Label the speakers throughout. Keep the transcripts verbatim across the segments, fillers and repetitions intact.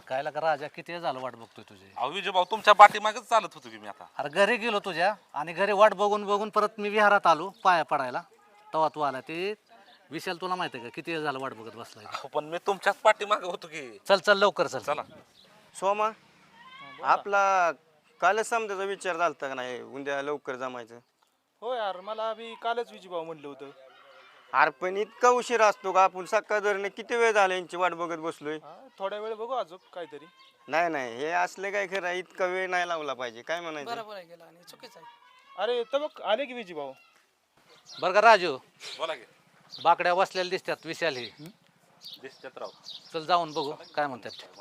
Speaker 1: काय लागा राजा किती वेळ झालं वाट बघतोय तुझी.
Speaker 2: अहो विजय भाऊ तुमच्या पाठीमागच चालत होतो की मी आता.
Speaker 1: अरे घरी गेलो तुझ्या आणि घरी वाट बघून बघून परत मी विहारात आलो पाया पडायला. तेव्हा तू आला. ते विशाल तुला माहिती आहे का किती वेळ झालं वाट बघत बसलाय.
Speaker 2: अहो, पण मी तुमच्याच पाठीमागे होतो की.
Speaker 1: चल चल लवकर चल.
Speaker 2: चला.
Speaker 3: सोमा आपला कालच समजायचा विचार झालता का नाही उद्या लवकर जमायचं.
Speaker 4: हो यार मला बी कालच विजूभाऊ म्हणलं होतं.
Speaker 3: अरे पण इतका उशीर असतो का आपण सकाळ धरणे किती वेळ झाला यांची वाट बघत बसलोय.
Speaker 4: हा, थोड्या वेळ बघू अजून काहीतरी.
Speaker 3: नाही नाही हे असले काय खरं आहे, इतका वेळ नाही लावला पाहिजे काय म्हणायचं.
Speaker 5: बरोबर आहे गेला आणि चुकीचं आहे.
Speaker 4: अरे तर बघ आले की विजूभाऊ.
Speaker 1: बरं का राजू
Speaker 2: बोला की.
Speaker 1: बाकड्या बसलेल्या दिसतात विशाल ही.
Speaker 2: दिसतात राव.
Speaker 1: चल जाऊन बघू काय म्हणतात.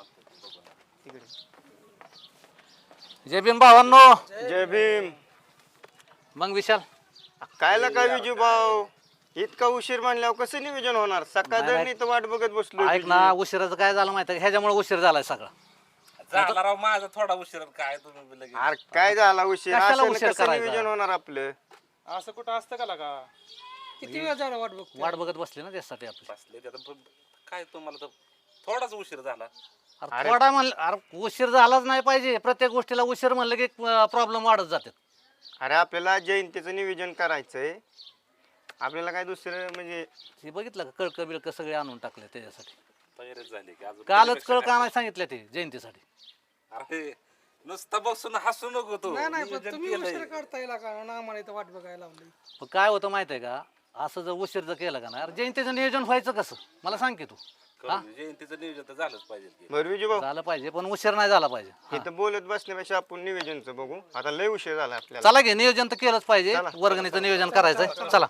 Speaker 1: जय भीम भावांनो.
Speaker 3: जय भीम.
Speaker 1: मग विशाल
Speaker 3: कायला काय विजू भाऊ इतका उशीर म्हणल्यावर कसं नियोजन होणार. सकाळ
Speaker 1: नाही,
Speaker 3: धरणी तर वाट बघत बसलो.
Speaker 1: ऐक ना उशिराचं काय झालं माहिती आहे ह्याच्यामुळे उशीर झालाय सगळा.
Speaker 2: झाला राव माझा थोडा उशीर काय तुम्ही बी लगेच.
Speaker 3: अरे काय झाला उशीर
Speaker 1: कशाला
Speaker 3: असं
Speaker 1: उशीर
Speaker 3: कसं
Speaker 1: करायचा?
Speaker 3: नियोजन होणार आपलं.
Speaker 4: असं कुठं असतं का लागा.
Speaker 5: किती वेळ झाला वाट बघतो.
Speaker 1: वाट बघत बसली ना त्यासाठी आपली.
Speaker 2: बसले त्यात पण काय तुम्हाला तर थोडाच उशीर झाला.
Speaker 1: अरे थोडा म्हणलं अरे उशीर झालाच नाही पाहिजे. प्रत्येक गोष्टीला उशीर म्हणलं की प्रॉब्लेम वाढत जातात.
Speaker 3: अरे आपल्याला जयंतीचं नियोजन करायचंय. आपल्याला काय दुसरं म्हणजे
Speaker 1: हे बघितलं का कळक बिळक सगळे आणून टाकले त्याच्यासाठी.
Speaker 2: तयारीच झाली की अजून
Speaker 1: कालच कळक आणायला सांगितलं ते जयंतीसाठी.
Speaker 2: अरे नुसतं बसून हसू नको तू.
Speaker 5: नाही नाही पण
Speaker 2: नियोजन
Speaker 5: तुम्ही
Speaker 2: केलंय.
Speaker 5: उशीर करता येईल का ना आम्हाला इथं वाट बघायला लावली.
Speaker 1: पण काय होतं माहिती आहे का असं जर उशीर जर केलं का ना अरे जयंतीचं नियोजन व्हायचं कसं मला सांग की तू.
Speaker 2: करू दे. जयंतीचं नियोजन तर झालंच पाहिजे की.
Speaker 3: बरं विजू भाऊ
Speaker 1: झालं पाहिजे पण उशीर नाही झाला पाहिजे.
Speaker 3: इथं बोलत बसण्यापेक्षा आपण नियोजनचं बघू. आता लय उशीर झाला आपल्याला.
Speaker 1: चला घे नियोजन तर केलंच पाहिजे. वर्गणीचं नियोजन करायचंय चला.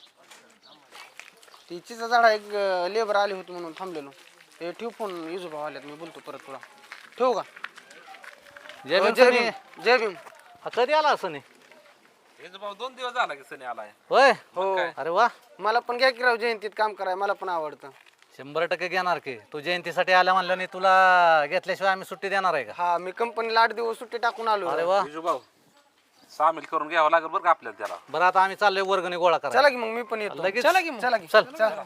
Speaker 5: तिचीचा झाडा एक लेबर आले होते म्हणून थांबलेलो. ते ठेव फोन विजूभाऊ आल्यात मी बोलतो परत तुला. ठेवू का.
Speaker 1: जय भीम
Speaker 5: जय
Speaker 1: सनी.
Speaker 5: भीम जय भीम.
Speaker 1: हा, कधी आला असं नाही
Speaker 2: विजय भाऊ दोन दिवस झाला की सनी आलाय.
Speaker 1: होय.
Speaker 5: हो
Speaker 1: अरे वा
Speaker 5: मला पण घ्या की राव जयंतीत काम कराय मला पण आवडतं.
Speaker 1: शंभर टक्के घेणार की. तू जयंतीसाठी आल्या म्हणलं नाही तुला घेतल्याशिवाय आम्ही सुट्टी देणार आहे का.
Speaker 5: हा मी कंपनीला आठ दिवस सुट्टी टाकून आलो.
Speaker 1: अरे वा
Speaker 2: विजू भाऊ सामील करून घ्यावं लागेल बरं का आपल्याला त्याला.
Speaker 1: बरं आता आम्ही चाललोय वर्गणी गोळा
Speaker 5: चला
Speaker 1: करायला.
Speaker 5: की मग मी पण येतो.
Speaker 1: लगेच
Speaker 5: चला की मग. चला की
Speaker 1: चल
Speaker 5: चला.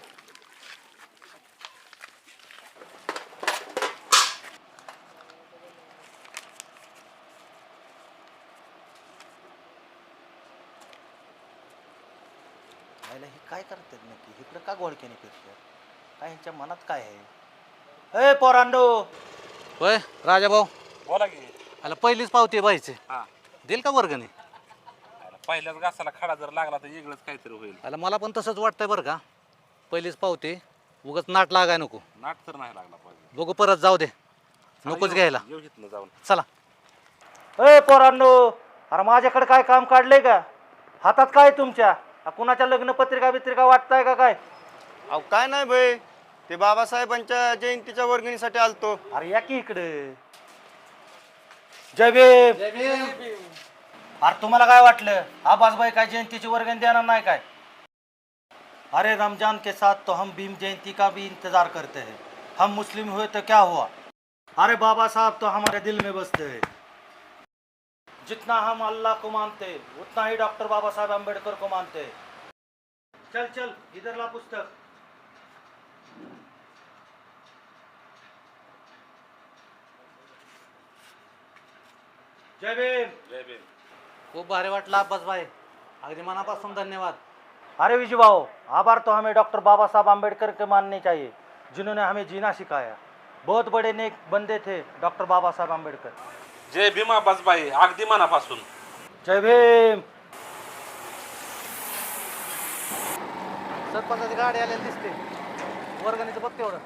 Speaker 6: हे काय करतात नक्की इकडे का गोळक्याने फिरतात काय ह्यांच्या मनात काय आहे. ए पोरांडो
Speaker 1: होय राजा भाऊ
Speaker 2: बोला की.
Speaker 1: आला पहिलीच पावती व्हायची
Speaker 2: हा
Speaker 1: देईल का वर्गणी.
Speaker 2: पहिल्याच घासाला खडा जर लागला तर वेगळंच काहीतरी होईल.
Speaker 1: आला मला पण तसंच वाटतंय बरं का. पहिलीच पावती उगाच नाट लागाय नको.
Speaker 2: नाट तर नाही लागला पाहिजे.
Speaker 1: बघू परत जाऊ दे नकोच घ्यायला.
Speaker 2: येऊ इथनं जाऊन.
Speaker 1: चला.
Speaker 6: ए पोरांडो अरे माझ्याकडे काय काम काढलंय का हातात काय तुमच्या आ, कुणाच्या लग्न पत्रिका बित्रिका वाटताय का काय.
Speaker 3: अहो काय नाही भाई ते बाबासाहेबांच्या जयंतीच्या वर्गणीसाठी आलतो.
Speaker 6: अरे या की इकडे. जय भीम. अरे तुम्हाला काय वाटलं आबासबाई काय जयंतीची वर्गणी देणार नाही काय. अरे रमजान के साथ तो हम भीम जयंती का भी इंतजार करते हैं. हम मुस्लिम हुए तो क्या हुआ. अरे बाबा साहब तो हमारे दिल में बसते हैं. जितना हम अल्लाह को मानते उतना ही डॉक्टर बाबा साहब अम्बेडकर को मानते. चल चल इधर ला पुस्तक. जय भीम.
Speaker 2: जय भीम.
Speaker 1: खूप भारी वाटलं अब्बास भाई अगदी मनापासून धन्यवाद.
Speaker 6: अरे विजू भाऊ आभार तो हमें डॉक्टर बाबा साहब आम्बेडकर के मानने चाहिए जिन्होंने हमें जीना सिखाया. बहुत बड़े नेक बंदे थे डॉक्टर बाबा साहब आम्बेडकर.
Speaker 2: जय भीमा बाई अगदी मनापासून.
Speaker 6: जय भीम.
Speaker 1: सरपंचाची गाडी आलेली दिसते. वर्गणीचं बघ तेवढं.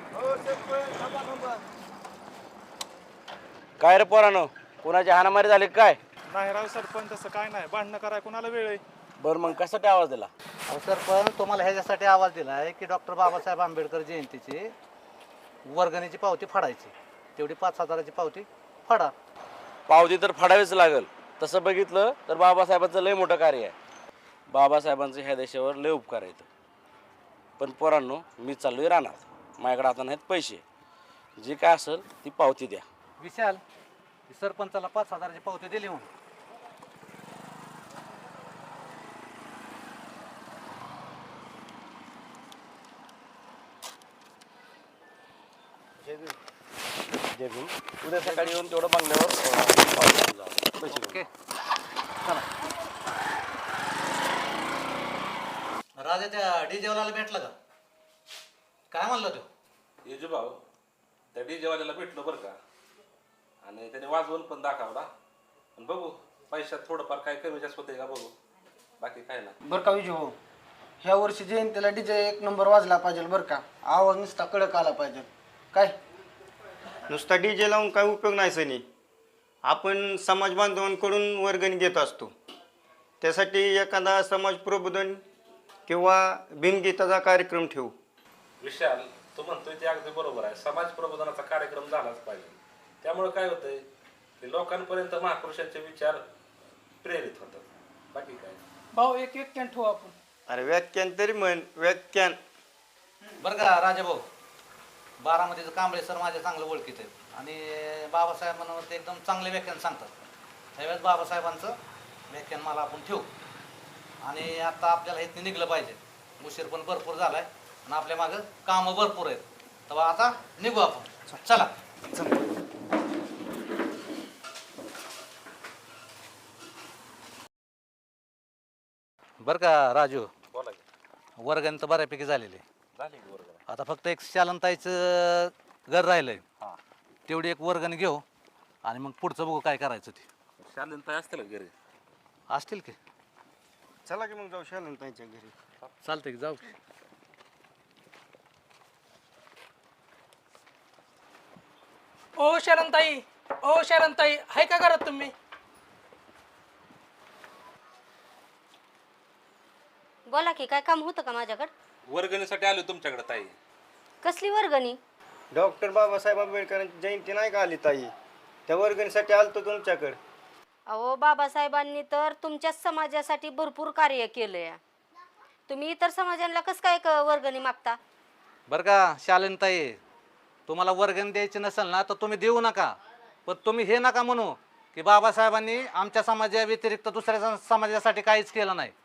Speaker 3: काय रे पोरानो कोणाची हाणामारी झाली काय.
Speaker 4: नाही राव सरपंच तसं काय नाही. भांडणं कराय कोणाला वेळ आहे.
Speaker 3: बरं मग कशासाठी आवाज दिला.
Speaker 1: अहो सरपंच तुम्हाला ह्याच्यासाठी आवाज दिला आहे की डॉक्टर बाबासाहेब आंबेडकर जयंतीची वर्गणीची पावती फाडायची. तेवढी पाच हजाराची पावती फाडा.
Speaker 7: पावती तर फाडावीच लागेल. तसं बघितलं तर बाबासाहेबांचं लय मोठं कार्य आहे. बाबासाहेबांचं ह्या देशावर लय उपकार आहेत. पण पोरांनो मी चाललोय राहणार. माझ्याकडे आता नाहीत पैसे. जे काय असेल ती पावती द्या.
Speaker 1: विशाल सरपंचाला पाच हजाराची पावती दिली म्हणून.
Speaker 3: जय भीम.
Speaker 7: जय भीम. उद्या सकाळी येऊन तेवढं बंगल्यावर अं, पावती घेऊन जा. पैसे घेऊन.
Speaker 1: ओके चला. राजा त्या डीजेवाल्याला भेटला का? काय म्हणलं तो?
Speaker 2: येजू भाऊ त्या डीजेवाल्याला भेटलो बरं का, आणि त्याने वाजवून पण दाखवला. आणि बघू पैशात थोडंफार काय कमी जास्त होते का बघू, बाकी काय ना.
Speaker 5: बरं का विजू भाऊ, ह्या वर्षी जयंतीला डीजे एक नंबर वाजला पाहिजे बरं का. आवाज नुसता कडक आला पाहिजे. काय
Speaker 3: नुसता डी जे लावून काय उपयोग नाही सनी. आपण समाज बांधवांकडून वर्गणी घेत असतो. त्यासाठी एखादा समाज प्रबोधन किंवा भीमगीताचा कार्यक्रम ठेवू.
Speaker 2: विशाल तू म्हणतोय ते अगदी बरोबर आहे. समाज प्रबोधनाचा कार्यक्रम झालाच पाहिजे. त्यामुळे काय होतंय की लोकांपर्यंत महापुरुषांचे विचार प्रेरित होतात, बाकी काय.
Speaker 8: भाऊ एक एक कॅन ठेवू आपण.
Speaker 3: अरे व्याख्यान तरी म्हण व्याख्यान.
Speaker 1: बरं का राजा भाऊ, बारामतीचं कांबळे सर माझ्या चांगलं ओळखीत आहेत आणि बाबासाहेब म्हणून ते एकदम चांगले व्याख्यान सांगतात. त्यावेळेस बाबासाहेबांचं व्याख्यान मला आपण ठेवू. आणि आता आपल्याला इथं निघलं पाहिजे. उशीर पण भरपूर झालाय आणि आपल्या मागं कामं भरपूर आहेत. तेव्हा आता निघू आपण. चला. बरं का राजू,
Speaker 2: बोला की.
Speaker 1: वर्गण तर बऱ्यापैकी झालेले.
Speaker 2: झाली की बरोबर.
Speaker 1: आता फक्त एक शालनताईचं घर राहिलंय.
Speaker 2: हां
Speaker 1: तेवढी एक वर्गण घेऊ आणि मग पुढचं बघू काय करायचं ते.
Speaker 2: शालीन ताई असतील का घरी?
Speaker 1: असतील की.
Speaker 3: चला की मग जाऊ शालनताईच्या घरी.
Speaker 1: चालतंय की जाऊ.
Speaker 8: ओ शरणताई, ओ शरणताई, आहे का घरात तुम्ही?
Speaker 9: बोला की, काय काम होतं का माझ्याकडे?
Speaker 2: वर्गणीसाठी आलो तुमच्याकडे ताई.
Speaker 9: कसली वर्गणी?
Speaker 3: डॉक्टर बाबासाहेब आंबेडकरांची जयंती नाही का आली ताई, त्या वर्गणीसाठी आलतो तुमच्याकडे.
Speaker 9: अहो बाबासाहेबांनी तर तुमच्या समाजासाठी भरपूर कार्य केलंय. तुम्ही इतर समाजांना कसं काय क- वर्गणी मागता?
Speaker 1: बरं का शालनताई, तुम्हाला वर्गण द्यायची नसेल ना तर तुम्ही देऊ नका. पण तुम्ही हे नका म्हणू की बाबासाहेबांनी आमच्या समाजा व्यतिरिक्त दुसऱ्या सं- समाजासाठी काहीच केलं नाही.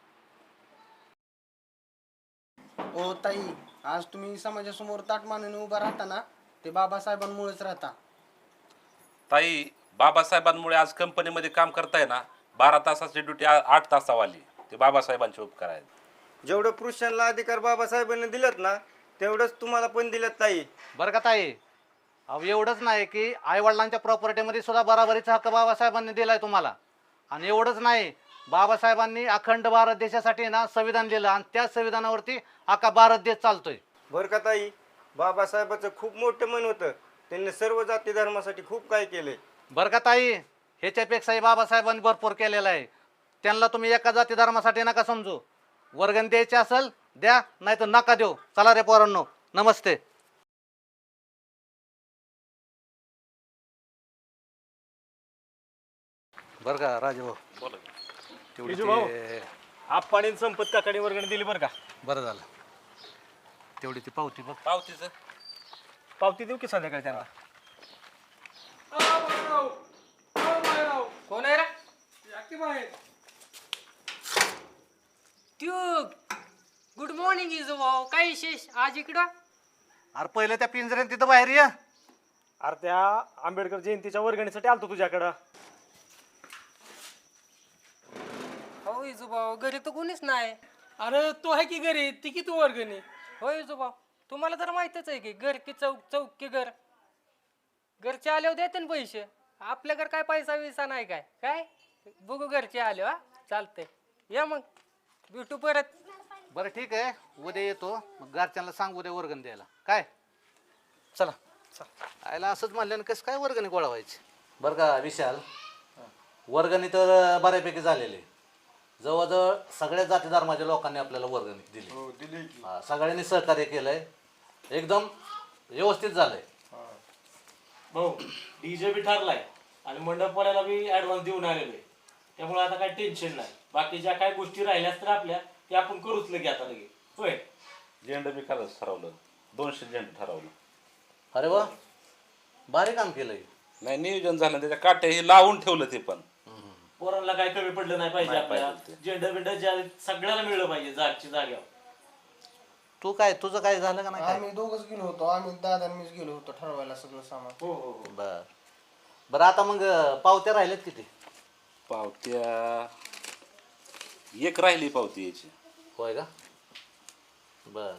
Speaker 5: ओ ताई, आज तुम्ही समाजासमोर ताट मानून उभा राहता ना, ते बाबासाहेबांमुळेच राहता.
Speaker 2: ताई बाबासाहेबांमुळे आज कंपनीमध्ये काम करताय ना, बारा तासाची ड्युटी आठ तासावर आली. ते बाबासाहेबांचे उपकार आहेत.
Speaker 3: जेवढं पुरुषांना अधिकार बाबासाहेबांनी दिलेत ना, तेवढंच तुम्हाला पण दिलेत ताई.
Speaker 1: बरं का ताई, अहो एवढंच नाही की आईवडिलांच्या प्रॉपर्टीमध्ये सुद्धा बराबरीचा हक्क बाबासाहेबांनी दिलाय तुम्हाला. आणि एवढंच नाही, बाबासाहेबांनी अखंड भारत देशासाठी ना संविधान लिहिलं आणि त्या संविधानावरती अख्खा भारत देश चालतोय.
Speaker 3: बरं का ताई, बाबासाहेबाचं खूप मोठं मन होतं. त्यांनी सर्व जाती धर्मासाठी खूप काय केले.
Speaker 1: बरं का ताई, ह्याच्यापेक्षाही बाबासाहेबांनी भरपूर केलेलं आहे. त्यांना तुम्ही एका जाती धर्मासाठी नका समजू. वर्गण द्यायची असेल द्या, नाही तर नका देऊ. चला रे पोरांनो, नमस्ते. बरं का राजभाऊ,
Speaker 2: बोला की.
Speaker 1: तेवढी
Speaker 4: विजू भाऊ.
Speaker 1: ते-
Speaker 4: आप्पाने संपत काकाने वर्गणी दिली बरं का.
Speaker 1: बरं झालं. तेवढी ती पावती बघ.
Speaker 2: पावतीचं
Speaker 4: पावती देऊ की संध्याकाळी त्यांना.
Speaker 8: कोण आहे रे? ट्यूब, गुड मॉर्निंग इजू भाऊ. काय विशेष आज इकडं?
Speaker 1: अरे पहिलं त्या पिंजऱ्यात तिथं बाहेर ये.
Speaker 4: अरे त्या आंबेडकर जयंतीच्या वर्गणीसाठी आलतो तुझ्याकडं.
Speaker 8: हो इजू भाऊ, घरी तर कोणीच नाही. अरे तो आहे की घरी, ती की तू वर्गणी? हो इजू भाऊ, तुम्हाला तर माहितच आहे की घर की चौक, चौक की घर. घरचे आल्यावर देते ना पैसे. आपल्याकडे काय पैसा विसा नाही काय. काय बघू घरचे आले. हा चालतंय, या मग भेटू परत.
Speaker 1: बरं ठीक आहे, उद्या येतो. मग घरच्यांना सांग उद्या वर्गण द्यायला. काय चला. आयला असंच म्हणल्यानं कसं काय वर्गणी गोळा व्हायची. बरं का विशाल, वर्गणी तर बऱ्यापैकी झालेली. जवळजवळ सगळ्या जाती धर्माच्या लोकांनी आपल्याला वर्गणी दिली. हा, सगळ्यांनी सहकार्य केलंय. एकदम व्यवस्थित झालंय.
Speaker 10: भाऊ डीजे बी ठरलाय आणि मंडपवाल्याला बी ऍडव्हान्स देऊन आलेलो आहे. त्यामुळे आता काही टेन्शन नाही. बाकी ज्या काही गोष्टी राहिल्यास तर आपल्या ते आपण करूच लगे आता लगे. होय,
Speaker 2: झेंडा बी खरंच ठरवलं. दोनशे झेंडा ठरवलं.
Speaker 1: अरे वा, भारी काम केलंय.
Speaker 2: नाही नियोजन झालं, त्याच्या काट्या हे लावून ठेवलं. ते पण
Speaker 10: पोरांना काही कमी पडलं नाही पाहिजे.
Speaker 2: नाही
Speaker 10: आपल्याला
Speaker 2: पाहिजे ते.
Speaker 10: झेंडा बिंडा ज्या सगळ्याला मिळलं पाहिजे जागची जाग्यावर.
Speaker 1: तू काय तुझं काय झालं का नाही काय?
Speaker 5: आम्ही दोघच गेलो होतो, आम्ही दादा आणि मीच गेलो होतो ठरवायला सगळं सामान.
Speaker 6: हो हो हो
Speaker 1: बर बरं आता मग अं, पावत्या राहिल्यात किती?
Speaker 2: पावत्या एक राहिली पावती याची.
Speaker 1: होय का? बर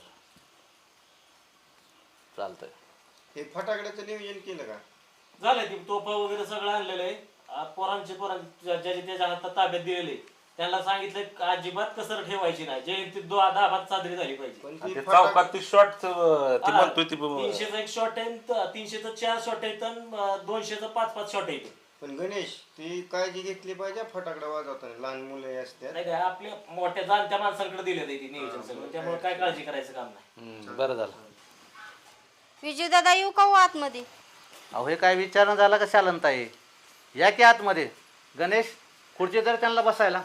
Speaker 1: चालतंय.
Speaker 3: हे फटाकड्याचं नियोजन केलं का?
Speaker 10: झालंय ती तोफा वगैरे सगळं आणलेलं आहे. आ, पोरांचे पोरांचे ज्याचे त्याच्या हातात ताब्यात दिलेले त्यांना सांगितलं अजिबात कसर ठेवायची नाही. जयंती दो दहा भात साजरी झाली पाहिजे.
Speaker 3: पण
Speaker 2: आणि
Speaker 3: ती
Speaker 2: ते
Speaker 3: फटाक-
Speaker 2: चौकात ती शॉर्ट ती
Speaker 10: हा,
Speaker 2: म्हणतोय ती
Speaker 10: तीनशेचा एक शॉट आहे त- तीनशेचं चार शॉट आहेत आणि दोनशेचं पाच पाच शॉट आहेत.
Speaker 3: पण गणेश ती काळजी घेतली पाहिजे फटाकडा वाजवताना, लहान मुलं असतात.
Speaker 10: नाही काय आपल्या मोठ्या जाणत्या माणसांकडे दिले ते नियोजन सगळं, त्यामुळे काय काळजी करायचं काम नाही.
Speaker 1: हम्म, बरं झालं.
Speaker 9: विजू दादा येऊ का हो आतमध्ये?
Speaker 1: अहो हे काय विचारणं झालं का शालनताई? या की आतमध्ये. गणेश खुर्ची तर त्यांना बसायला.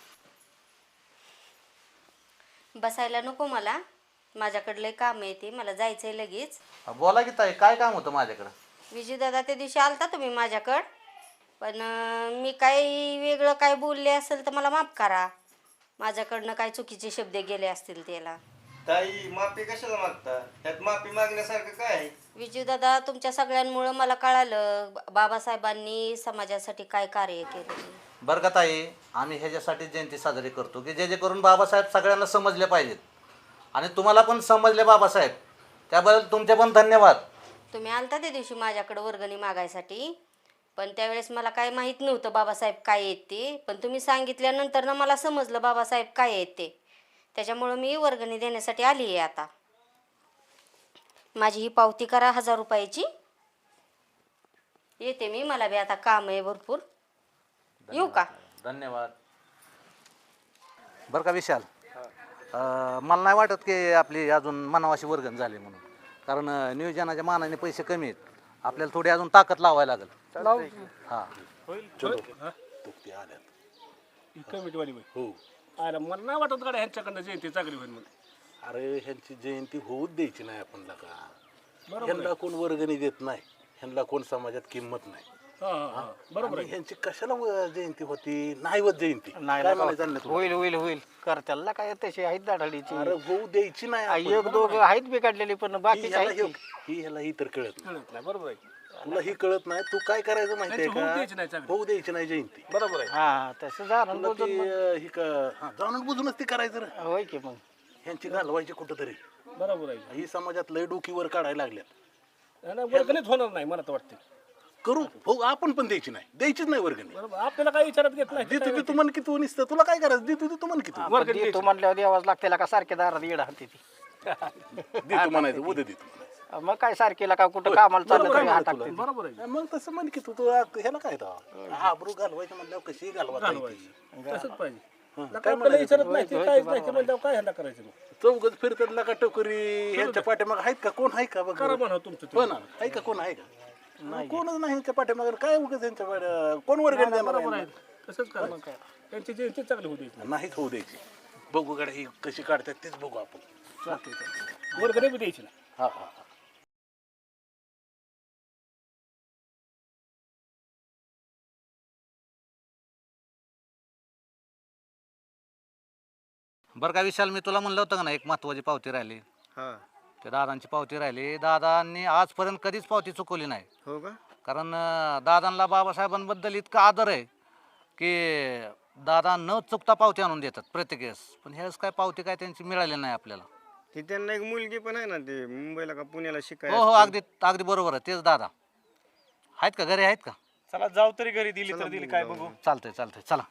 Speaker 9: बसायला नको मला, माझ्याकडलं काम आहे ते, मला जायचंय लगेच.
Speaker 1: अहो, बोला की ताई काय काम होतं माझ्याकडं?
Speaker 9: विजू दादा त्या दिवशी आलता तुम्ही माझ्याकडं, पण अं, मी काही वेगळं काय बोलले असेल तर मला माफ करा. माझ्याकडनं काय चुकीचे शब्द गेले असतील त्याला.
Speaker 3: ताई माफी कशाला मागता? त्यात माफी मागण्यासारखं काय आहे?
Speaker 9: विजू दादा तुमच्या सगळ्यांमुळं मला कळालं ब- बाबासाहेबांनी समाजासाठी काय कार्य केलं.
Speaker 1: बरं का ताई, आम्ही ह्याच्यासाठी जयंती साजरी करतो की जे जे करून बाबासाहेब सगळ्यांना समजले पाहिजेत. आणि तुम्हाला पण समजले बाबासाहेब, त्याबद्दल तुमचे पण धन्यवाद.
Speaker 9: तुम्ही आलता त्या दिवशी माझ्याकडं वर्गणी मागायसाठी, पण त्यावेळेस मला काय माहीत नव्हतं बाबासाहेब काय आहेत ते, पण तुम्ही सांगितल्यानंतर ना मला समजलं बाबासाहेब काय आहेत ते. त्याच्यामुळं मी वर्गणी देण्यासाठी आली आहे आता. माझी ही पावती करा हजार रुपयाची. येते मी, मला बी आता काम आहे भरपूर. येऊ का?
Speaker 1: धन्यवाद. बरं का विशाल, अं, मला नाही वाटत की आपली अजून मनावाशी वर्गण झाली म्हणून, कारण अं, नियोजनाच्या मानाने पैसे कमी आहेत. आपल्याला थोडी अजून ताकद लावायला लागेल. हां
Speaker 10: कमिटीवाली
Speaker 2: हो.
Speaker 10: अरे मला नाही वाटत गाड्या ह्यांच्याकडनं जयंती चांगली होईल म्हणून.
Speaker 2: अरे ह्यांची जयंती होऊच द्यायची नाही आपण का. ह्यांना कोण वर्गणी देत नाही, ह्यांना कोण समाजात किंमत नाही.
Speaker 10: बरोबर
Speaker 2: आणि ह्यांची कशाला व- जयंती होती? नाही होत जयंती.
Speaker 5: नाही
Speaker 2: काय
Speaker 5: ना,
Speaker 2: म्हणायचं आणलं तुला?
Speaker 5: होईल होईल होईल कर त्याला काय तशी आहेत दाढाडीची.
Speaker 2: अरे होऊ द्यायची नाही आपण.
Speaker 5: एक दोघं आहेत बिघडलेली पण
Speaker 2: ही
Speaker 5: बाकीचे
Speaker 2: ह्याला
Speaker 5: आहेत की.
Speaker 2: हे- ही ह्याला ही तर कळत नाही.
Speaker 10: नाही बरोबर आहे.
Speaker 2: तुला ही कळत नाही. तू काय करायचं माहितीये
Speaker 10: होऊ द्यायची नाही
Speaker 2: का?
Speaker 10: चांगली.
Speaker 2: होऊ द्यायची नाही जयंती.
Speaker 10: बरोबर आहे.
Speaker 5: हा तसं झालं
Speaker 2: तुला
Speaker 5: बोलतो
Speaker 2: ती
Speaker 5: मग.
Speaker 2: अं, ही का- हा, जाणून बुजूनच ती करायचं रे.
Speaker 5: होय की मग.
Speaker 2: ह्यांची घालवायची कुठं तरी.
Speaker 10: बरोबर आहे.
Speaker 2: ही समाजात लय डोकीवर काढायला लागल्यात.
Speaker 10: नाही, वर्गणीच होणार नाही मला तर वाटते.
Speaker 2: करू हो, आपण पण द्यायची नाही, द्यायचीच नाही वर्गणी.
Speaker 10: बरोबर आपल्याला काही विचारात घेत नाही.
Speaker 2: देतो की तू म्हण की तू निसतं, तुला काय करायचं? देतो की तू म्हण की तू
Speaker 10: वर्गणी
Speaker 5: देतो म्हणल्यावर द्यावाच लागते का सारखे दारात येडा हाती ती.
Speaker 2: देतो म्हणायचं, उद्या देतो म्हणायचं.
Speaker 5: मग काय सारखीला का कुठं कामाला चाललं
Speaker 2: बरोबर
Speaker 5: तरी
Speaker 2: आहे
Speaker 5: हात
Speaker 2: तुला.
Speaker 5: टाकते.
Speaker 10: बरोबर आहे.
Speaker 2: मग तसं म्हण की तू तू ह्याला काय हा आबरू घालवायचं म्हणल्यावर कशी घालवायची
Speaker 10: तसंच पाहिजे.
Speaker 2: काय
Speaker 10: आपल्याला
Speaker 2: म्हणायचं?
Speaker 10: विचारत नाही ते काहीच नाही ते म्हणल्यावर काय ह्यांना करायचं मग?
Speaker 2: चौघच फिरतात ना का टोकरी ह्यांच्या पाठीमाग आहेत का? कोण आहे का बघ
Speaker 10: करा म्हणा तुमचं
Speaker 2: हो ना, आहे का? कोण आहे का? कोणच नाही ह्यांच्या पाठीमाग. काय उगाच त्यांच्या पाठी- कोण वर्गणी देणार
Speaker 10: बरोबर आहे.
Speaker 2: आहे?
Speaker 10: तसंच करा. त्यांची जयंती चांगली होती.
Speaker 2: नाहीच होऊ द्यायची. बघू गाड्या ही कशी काढतात तेच बघू आपण.
Speaker 10: वर्गणी बी द्यायची नाही.
Speaker 2: हा हा हा.
Speaker 1: बरं का विशाल, मी तुला म्हणलं होतं का ना एक महत्वाची पावती राहिली.
Speaker 3: हा
Speaker 1: ते दादांची पावती राहिली. दादांनी आजपर्यंत कधीच पावती चुकवली नाही.
Speaker 3: हो का?
Speaker 1: कारण अं, दादांना बाबासाहेबांबद्दल इतकं आदर आहे की दादा न चुकता पावती आणून देतात प्रत्येक वेळेस. पण ह्यावेळेस काय पावती काय त्यांची मिळाली नाही आपल्याला.
Speaker 3: ती त्यांना एक मुलगी पण आहे ना, ते मुंबईला का पुण्याला
Speaker 1: हो
Speaker 3: शिकायला
Speaker 1: हो अगदी अगदी बरोबर आहे. तेच दादा आहेत का? घरी आहेत का?
Speaker 4: चला जाऊ तरी घरी दिली तर दिली काय बघू.
Speaker 1: चालतंय चालतंय चला.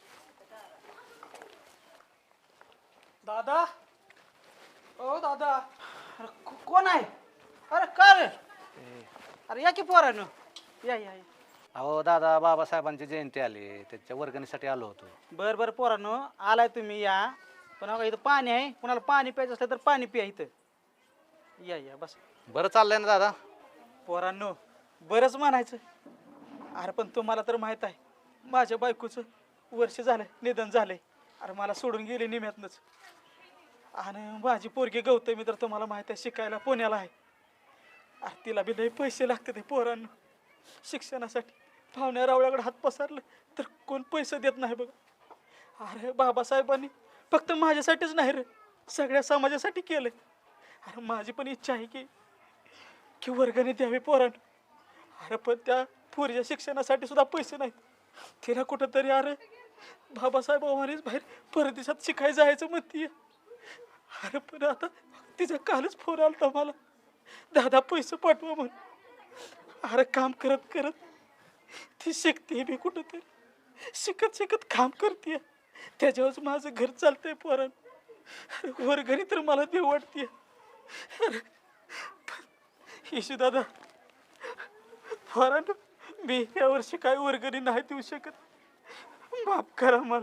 Speaker 4: दादा ओ दादा. अरे को- कोण आहे? अरे का रे? अरे या की पोरानं. या या या.
Speaker 1: अहो दादा, बाबासाहेबांची जयंती आली, त्याच्या वर्गणीसाठी आलो होतो.
Speaker 4: बर बर पोरानं आलाय तुम्ही या. पण अगं इथं पाणी आहे, कुणाला पाणी प्यायचं असलं तर पाणी प्या इथं. या या बस.
Speaker 1: बरं चाललंय ना दादा?
Speaker 4: पोरांनो बरंच म्हणायचं. अरे पण तुम्हाला तर माहीत आहे माझ्या बायकोचं वर्ष झालंय निधन झालंय. अरे मला सोडून गेले निम्यातनंच. आणि माझी पोरगी गौतमी तर तुम्हाला माहीत आहे शिकायला पुण्याला आहे. अरे तिला बी लई पैसे लागते ते पोरांना शिक्षणासाठी. पाहुण्या रावळ्याकडे हात पसरलं तर कोण पैसे देत नाही बघा. अरे बाबासाहेबांनी फक्त माझ्यासाठीच नाही रे, सगळ्या समाजासाठी केलंय. अरे माझी पण इच्छा आहे की की वर्गणी द्यावी पोरांना. अरे पण त्या पोरीच्या शिक्षणासाठी सुद्धा पैसे नाहीत. तिला कुठंतरी अरे बाबासाहेब आव्हानेच बाहेर परदेशात शिकायला जायचं म्हणतीये. अरे पण आता तिचा कालच फोन आलता मला, दादा पैसे पाठवा म्हणून. अरे काम करत करत ती शिकते मी कुठंतरी, शिकत शिकत काम करते. त्याच्यावरच माझं घर चालतंय पोरान. वर्गणी तर मला देऊ वाटते. अरे येशू दादा पोरान, मी या वर्षी काय वर्गणी नाही देऊ शकत, माफ करा मला.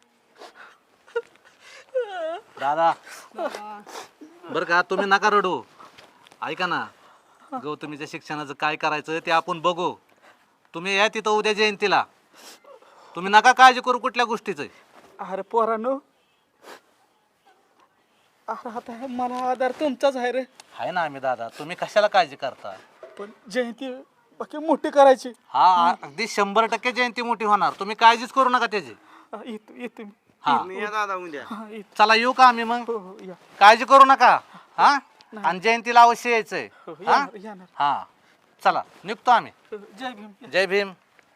Speaker 1: दादा बरं का, तुम्ही नका रडू. ऐका ना, गौतमीच्या शिक्षणाचं काय करायचं ते आपण बघू. तुम्ही या तिथं उद्या जयंतीला. तुम्ही नका काळजी करू कुठल्या गोष्टीचं.
Speaker 4: अरे पोरानो, अरे आता हे मला आधार तुमचाच आहे रे.
Speaker 1: आहे ना आम्ही दादा, तुम्ही कशाला काळजी करता.
Speaker 4: पण जयंती बाकी मोठी करायची.
Speaker 1: हा अगदी शंभर टक्के जयंती मोठी होणार, तुम्ही काळजीच करू नका त्याची.
Speaker 4: हा, येतो येतो मी.
Speaker 1: हा
Speaker 3: तुम्ही या दादा उद्या.
Speaker 4: हा येतो.
Speaker 1: चला येऊ का आम्ही मग.
Speaker 4: हो हो या.
Speaker 1: काळजी करू नका. हा आणि जयंतीला अवश्य यायचंय.
Speaker 4: हो,
Speaker 1: हा
Speaker 4: येणार येणार.
Speaker 1: हा चला निघतो आम्ही.
Speaker 4: हो, जय भीम.
Speaker 1: जय भीम.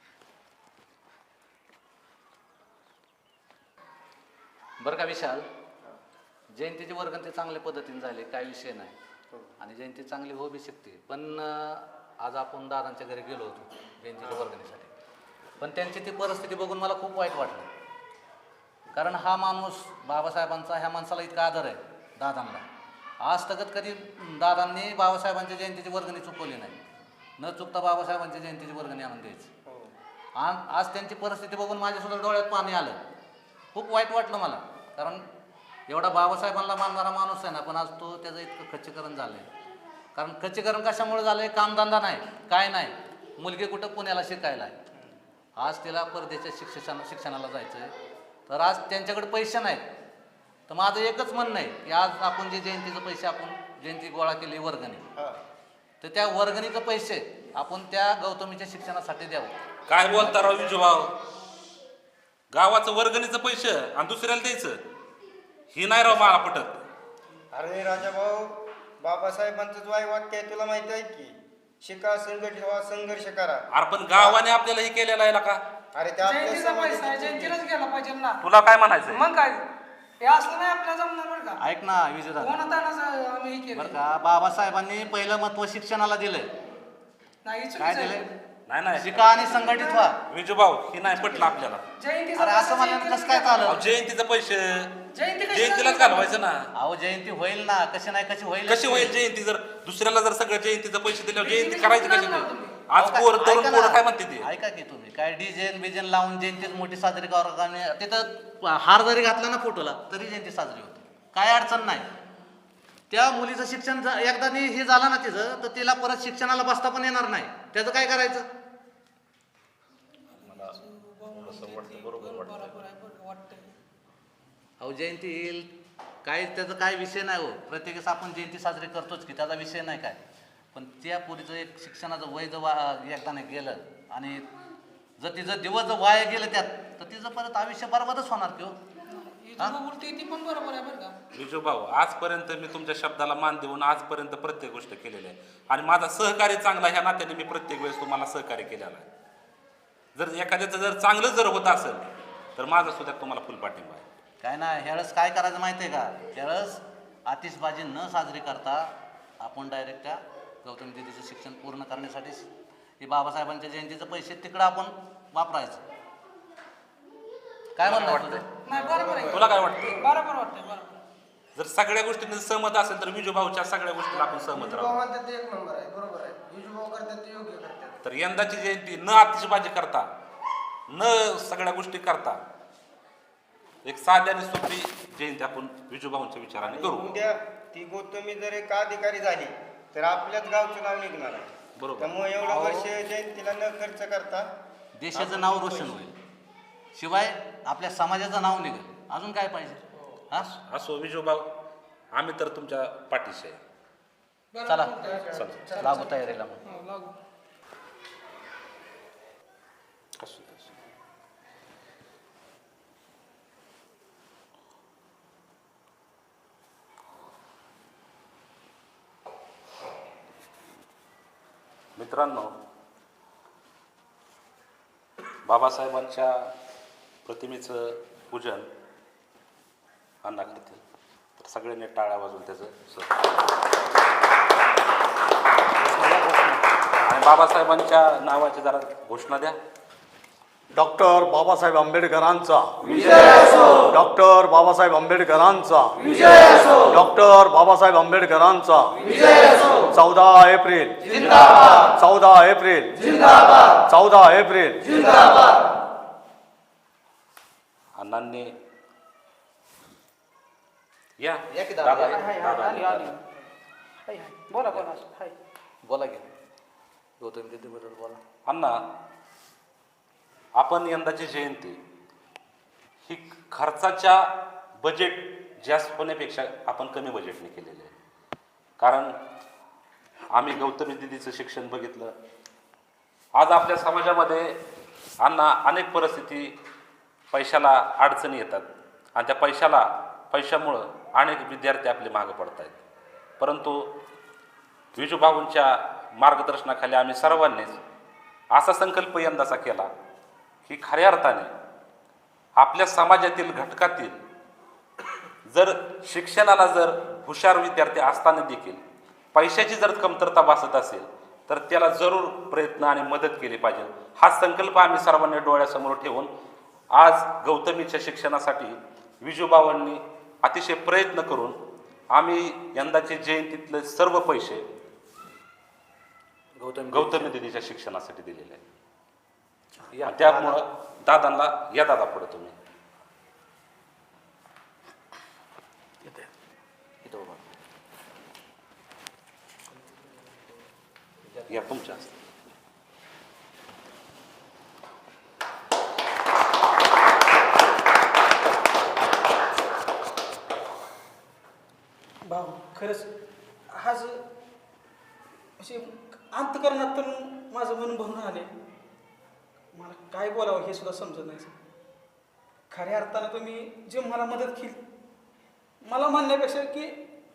Speaker 1: बरं का विशाल, जयंतीची वर्गण ते चांगल्या पद्धतीने झाले, काही विषय नाही. आणि जयंती चांगली हो बी शकते. पण अं, आज आपण दादांच्या घरी गेलो होतो जयंतीच्या वर्गणीसाठी, पण त्यांची ती परिस्थिती बघून मला खूप वाईट वाटलं. कारण हा माणूस, बाबासाहेबांचा ह्या माणसाला इतका आदर आहे दादांना. आज तगत कधी दादांनी बाबासाहेबांच्या जयंतीची वर्गणी चुकवली नाही. न चुकता बाबासाहेबांच्या जयंतीची वर्गणी आणून द्यायची. आणि आज त्यांची परिस्थिती बघून माझ्यासुद्धा डोळ्यात पाणी आलं. खूप वाईट वाटलं मला. कारण एवढा बाबासाहेबांना मानणारा माणूस आहे ना, पण आज तो त्याचं इतकं खच्चीकरण झालं आहे. कारण खच्चीकरण कशामुळे झालं आहे, कामधंदा नाही, काय नाही. मुलगी कुठं पुण्याला शिकायला आहे, आज तिला परदेशात शिक्षण शिक्षणाला जायचं आहे. तर आज त्यांच्याकडे पैसे नाहीत. तर माझं एकच म्हणणं आहे की आज आपण जे जयंतीचे पैसे आपण जयंती गोळा केली वर्गणी, तर त्या वर्गणीचे पैसे आपण त्या गौतमीच्या शिक्षणासाठी द्यावं.
Speaker 2: काय बोलता राव विजूभाऊ, गावाचं वर्गणीचं पैसे आणि दुसऱ्याला द्यायचं, ही नाही राव मला पटत.
Speaker 3: अरे राजा भाऊ, बाबासाहेबांचं वाय वाक्य आहे तुला माहिती आहे की, शिका, संघटित व्हा, संघर्ष करा.
Speaker 2: अरे पण गावाने आपल्याला हे केलेलं आहे का?
Speaker 3: अरे त्या
Speaker 5: जयंतीचा पैसा आहे, जयंतीलाच गेला पाहिजे ना.
Speaker 2: तुला काय म्हणायचं?
Speaker 5: मग काय हे असलं नाही आपल्या जमणार बरं का.
Speaker 1: ऐक ना विजयदादा,
Speaker 5: कोणातानाच आम्ही हे केलं
Speaker 1: बरं का, बाबासाहेबांनी पहिलं महत्व शिक्षणाला दिलंय.
Speaker 5: नाही
Speaker 1: काय
Speaker 5: चुकीचं
Speaker 1: दिलंय?
Speaker 5: आहे.
Speaker 2: नाही नाही
Speaker 1: शिका आणि संघटित व्हा.
Speaker 2: विजूभाऊ, ही नाही पटलं आपल्याला.
Speaker 5: जयंतीचा
Speaker 1: अरे असं म्हणल्यानं कसं काय चाललं.
Speaker 2: अहो, जयंतीचं पैसे
Speaker 5: जयंती कशी
Speaker 2: जयंतीलाच घालवायचं ना.
Speaker 1: अहो जयंती होईल ना, कशी नाही कशी होईल.
Speaker 2: कशी होईल जयंती? जर दुसऱ्याला जर सगळं जयंतीचं पैसे दिल्यावर जयंती करायची कशी नाही?
Speaker 1: अहो,
Speaker 2: आज
Speaker 1: काय-
Speaker 2: पोर तरुण
Speaker 1: ऐका
Speaker 2: पोरं
Speaker 1: ना.
Speaker 2: काय म्हणते ते?
Speaker 1: ऐका की तुम्ही काय डिझेन बिजेन लावून जयंतीच मोठी साजरी करा. तिथं हार जरी घातला ना फोटोला तरी जयंती साजरी होते, काय अडचण नाही. त्या मुलीचं शिक्षण ज- एकदा नी हे झालं ना तिचं, तर तिला परत शिक्षणाला बसता पण येणार नाही. त्याचं काय करायचं. अहो जयंती येईल, काय त्याचं काय विषय नाही हो. प्रत्येकच आपण जयंती साजरी करतोच की, त्याचा विषय नाही काय. पण त्या पुरीचं एक शिक्षणाचं वय जर वा एकदा नाही गेलं आणि जर तिचं दिवस जर वाया गेलं त्यात, तर तिचं परत आयुष्य बरोबरच होणार की हो.
Speaker 5: बोलते ती पण बरोबर आहे बरं का.
Speaker 2: विजूभाऊ, आजपर्यंत मी तुमच्या शब्दाला मान देऊन आजपर्यंत प्रत्येक गोष्ट केलेली आहे. आणि माझा सहकार्य चांगला ह्या नात्याने मी प्रत्येक वेळेस तुम्हाला सहकार्य केलेलं आहे. जर एखाद्याचं जर चांगलं जर होत असेल तर माझा सुद्धा तुम्हाला फुल पाठिंबा आहे.
Speaker 1: काय ना, ह्यावेळेस काय करायचं माहिती आहे का, ह्यावेळेस आतिषबाजी न साजरी करता आपण डायरेक्ट त्या गौतमी दिदीचं शिक्षण पूर्ण करण्यासाठी हे बाबासाहेबांच्या जयंतीचे पैसे तिकडं आपण वापरायचं. काय म्हणणं वाटतं?
Speaker 5: नाही बरोबर आहे,
Speaker 2: तुला काय वाटतं?
Speaker 5: बरोबर वाटतंय बरोबर.
Speaker 2: जर सगळ्या गोष्टींनी सहमत असेल तर विजूभाऊच्या सगळ्या गोष्टीला आपण सहमत राहू.
Speaker 5: म्हणतात ते एक नंबर आहे, बरोबर आहे. विजूभाऊ करतात ते योग्य करतात.
Speaker 2: तर यंदाची जयंती न आतिषबाजी करता, न सगळ्या गोष्टी करता, एक साध्या आणि सोपी जयंती आपण विजूभाऊंच्या विचाराने करू.
Speaker 3: उद्या ती गौतमी जर एक अधिकारी झाली तर आपल्याच गावचं नाव निघणार आहे.
Speaker 2: बरोबर.
Speaker 3: त्यामुळे एवढं वर्ष जयंतीला न खर्च करता
Speaker 1: देशाचं नाव रोशन होईल, शिवाय आपल्या समाजाचं नाव निघेल. अजून काय पाहिजे. हा
Speaker 2: असो विजूभाऊ, आम्ही तर तुमच्या पाठीशी आहे.
Speaker 1: चला
Speaker 2: चला.
Speaker 1: लागू तयारीला मग.
Speaker 5: हो, लागू.
Speaker 2: असो, असो. मित्रांनो, बाबासाहेबांच्या प्रतिमेचं पूजन अण्णा करतील, तर सगळ्यांनी टाळ्या वाजवून त्याचं आणि बाबासाहेबांच्या नावाची जरा घोषणा द्या.
Speaker 6: डॉक्टर बाबासाहेब आंबेडकरांचा डॉक्टर बाबासाहेब आंबेडकरांचा डॉक्टर बाबासाहेब आंबेडकरांचा चौदा एप्रिल चौदा एप्रिल चौदा एप्रिल.
Speaker 2: अण्णांनी या
Speaker 1: या की दादा.
Speaker 2: दादा,
Speaker 4: हाय, हाय,
Speaker 2: दादा,
Speaker 4: आली, आली.
Speaker 2: दादा.
Speaker 4: हाय, हाय. बोला बोला हाय.
Speaker 1: बोला की गौतम दीदीबद्दल बोला.
Speaker 2: अण्णा, आपण यंदाची जयंती ही खर्चाच्या बजेट जास्त होण्यापेक्षा आपण कमी बजेटने केलेली आहे. कारण आम्ही गौतमी दिदीचं शिक्षण बघितलं. आज आपल्या समाजामध्ये अण्णा अनेक परिस्थिती पैशाला अडचणी येतात आणि त्या पैशाला पैशामुळं अनेक विद्यार्थी आपले मागं पडत आहेत. परंतु विजूभाऊंच्या मार्गदर्शनाखाली आम्ही सर्वांनीच असा संकल्प यंदाचा केला की खऱ्या अर्थाने आपल्या समाजातील घटकातील जर शिक्षणाला जर हुशार विद्यार्थी असताना देखील पैशाची जर कमतरता भासत असेल तर त्याला जरूर प्रयत्न आणि मदत केली पाहिजे. हा संकल्प आम्ही सर्वांनी डोळ्यासमोर ठेवून आज गौतमीच्या शिक्षणासाठी विजूभावांनी अतिशय प्रयत्न करून आम्ही यंदाचे जयंतीतले सर्व पैसे
Speaker 1: गौतम
Speaker 2: गौतमी दिदीच्या शिक्षणासाठी दिलेले आहेत. आणि त्यामुळं दादांना या दादा पुढे तुम्ही
Speaker 1: इथं उभा.
Speaker 2: या तुमच्या हस्ते.
Speaker 4: भाऊ खरंच आज असे अंतकरणात तर माझं मन भरून आले. मला काय बोलावं हे सुद्धा समजत नाही. खऱ्या अर्थानं तुम्ही जे मला मदत केली, मला म्हणण्यापेक्षा की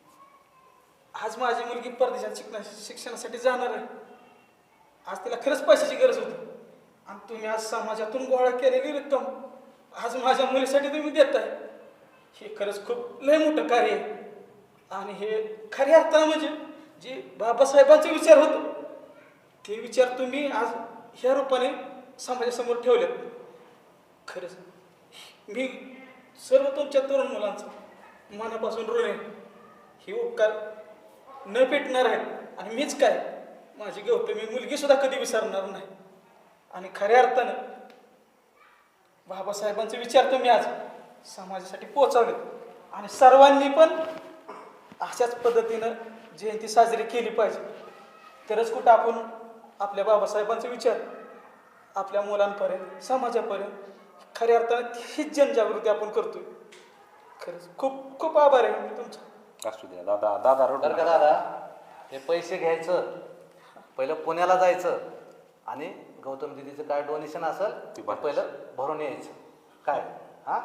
Speaker 4: आज माझी मुलगी परदेशात शिकण्या शिक्षणासाठी जाणार आहे. आज तिला खरंच पैशाची गरज होती आणि तुम्ही आज समाजातून गोळा केलेली रक्कम आज माझ्या मुलीसाठी तुम्ही देताय. हे खरंच खूप लय मोठं कार्य आहे. आणि हे खऱ्या अर्थानं म्हणजे जे बाबासाहेबांचे विचार होते ते विचार तुम्ही आज ह्या रूपाने समाजासमोर ठेवलेत. खरंच मी सर्व तुमच्या तरुण मुलांचा मनापासून ऋण आहे. हे उपकार न पेटणार आहेत आणि मीच काय माझी गौतमी मुलगी सुद्धा कधी विसरणार नाही. आणि खऱ्या अर्थानं बाबासाहेबांचे विचार तुम्ही आज समाजासाठी पोहोचवलेत आणि सर्वांनी पण अशाच पद्धतीनं जयंती साजरी केली पाहिजे. तरच कुठं आपण आपल्या बाबासाहेबांचे विचार आपल्या मुलांपर्यंत समाजापर्यंत खऱ्या अर्थानं हीच जनजागृती आपण करतोय. खरंच खूप खूप आभार आहे मी तुमचा.
Speaker 2: असू द्या दादा. दादा रडू
Speaker 1: बरं का
Speaker 2: नका.
Speaker 1: दादा, हे पैसे घ्यायचं, पहिलं पुण्याला जायचं आणि गौतम दिदीचं काय डोनेशन असेल ते पहिलं भरून यायचं. काय हां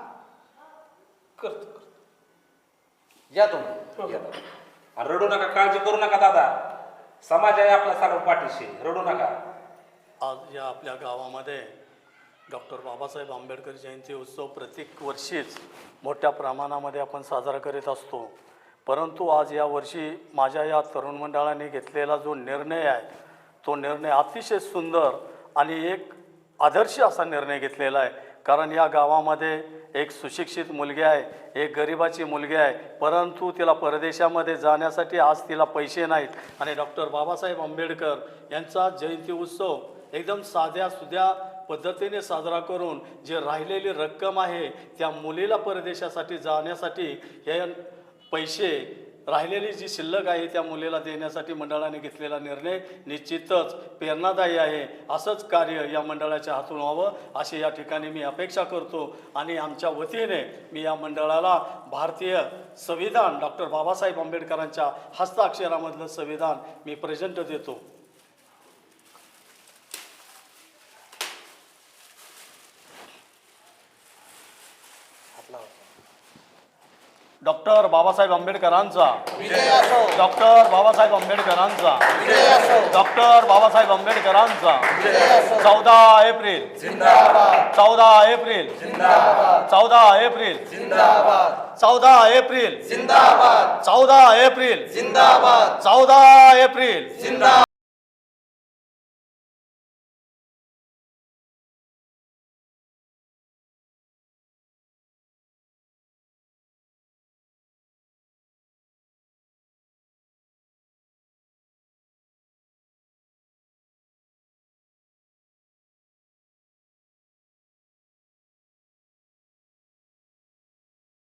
Speaker 4: करतो करतो.
Speaker 1: या तुम्ही.
Speaker 2: या दादा. आणि रडू नका, काळजी करू नका दादा. समाज आहे आपला सर्व पाठीशी, रडू नका.
Speaker 6: आज या आपल्या गावामध्ये डॉक्टर बाबासाहेब आंबेडकर जयंती उत्सव प्रत्येक वर्षीच मोठ्या प्रमाणामध्ये आपण साजरा करीत असतो. परंतु आज या वर्षी माझ्या या तरुण मंडळाने घेतलेला जो निर्णय आहे तो निर्णय अतिशय सुंदर आणि एक आदर्श असा निर्णय घेतलेला आहे. कारण या गावामध्ये एक सुशिक्षित मुलगी आहे, एक गरिबाची मुलगी आहे, परंतु तिला परदेशामध्ये जाण्यासाठी आज तिला पैसे नाहीत आणि डॉक्टर बाबासाहेब आंबेडकर यांचा जयंती उत्सव एकदम साध्या सुध्या पद्धतीने साजरा करून जे राहिलेली रक्कम आहे त्या मुलीला परदेशासाठी जाण्यासाठी हे पैसे राहिलेली जी शिल्लक आहे त्या मुलीला देण्यासाठी मंडळाने घेतलेला निर्णय निश्चितच प्रेरणादायी आहे. असंच कार्य या मंडळाच्या हातून व्हावं अशी या ठिकाणी मी अपेक्षा करतो आणि आमच्या वतीने मी या मंडळाला भारतीय संविधान डॉक्टर बाबासाहेब आंबेडकरांच्या हस्ताक्षरामधलं संविधान मी प्रेझेंट देतो. डॉक्टर बाबासाहेब आंबेडकरांचा डॉक्टर बाबासाहेब आंबेडकरांचा डॉक्टर बाबासाहेब आंबेडकरांचा चौदा एप्रिल चौदा एप्रिल चौदा एप्रिल चौदा एप्रिल चौदा एप्रिल चौदा एप्रिल